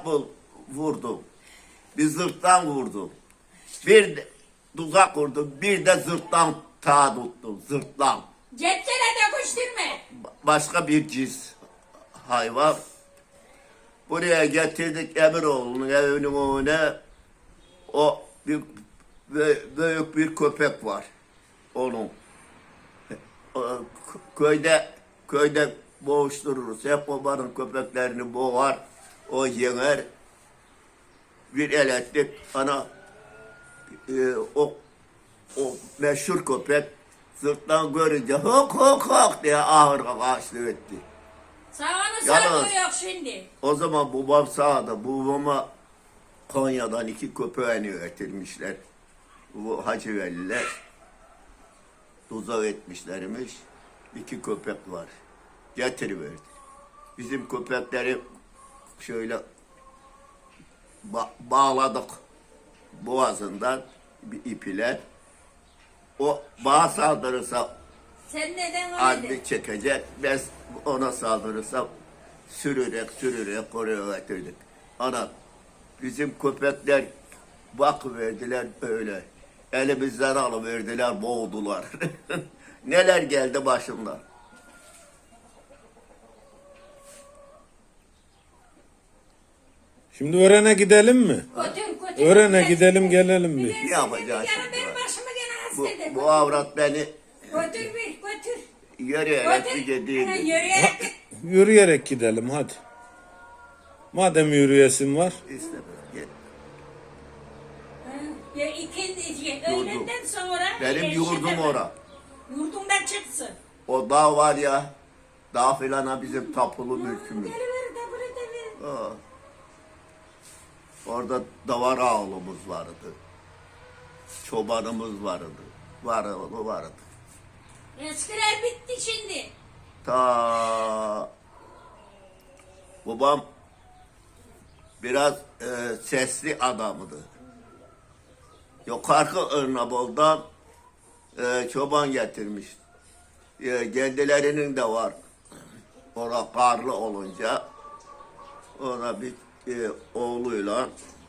vurdum. Bir zırttan vurdum. Bir de tuzak vurdum. Bir de zırttan ta tuttum. Zırttan. Cepçene de koşturma. Başka bir cins hayvan. Buraya getirdik Emiroğlu'nun evinin önüne. O büyük bir köpek var. Onun. Köyde boğuştururuz. Hep babanın köpeklerini boğar. O yener. Bir el ettik. Ana o meşhur köpek sırttan görünce hok hok hok diye ağır ağaçlı etti. Sağını Yalnız- sardığı yok şimdi. O zaman babam sağda. Babama Konya'dan 2 köpeğini getirmişler. Bu Hacı Veliler. Tuzak etmişlermiş. 2 köpek var. Getiriverdi. Bizim köpekleri şöyle bağladık boğazından bir ip ile. O bana saldırırsa Sen neden öyle? adli çekecek. Ben ona saldırırsam sürerek oraya getirdik. Ana bizim köpekler bakıverdiler öyle. Elimizden alıverdiler, boğdular. Neler geldi başımdan. Şimdi Ören'e gidelim mi? Götür. Ören'e gidelim gelelim bir. Ne yapacağız Yarın şimdi? benim başımı gene Bu, hasta eder. bu avrat beni Götür. yürüyerek Götür. bir gideyim. Yürüyerek git. Yürüyerek gidelim hadi. Madem yürüyesin var. İstemem. Gel. Ya ikindi, öğlenden sonra... Benim yurdum ora. Yurdumdan çıksın. O dağ var ya, dağ filana bizim tapulu mülkümüz. Geliver de burada ver. Aa. Orada davar ağlımız vardı. Çobanımız vardı. Vardı. Eskiler bitti şimdi. Ta babam biraz sesli adamdı. Yukarı Örnabol'dan çoban getirmiş. Kendilerinin de var. Orada karlı olunca ona bir oğluyla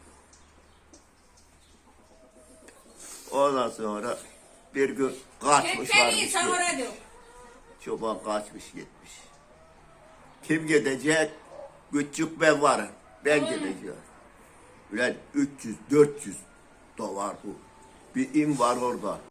ondan sonra bir gün kaçmış Kekleri varmış. savura diyor. Çoban kaçmış gitmiş. Kim gidecek? Küçük ben varım. Ben gideceğim. Ulan 300-400 dolar bu. Bir im var orada.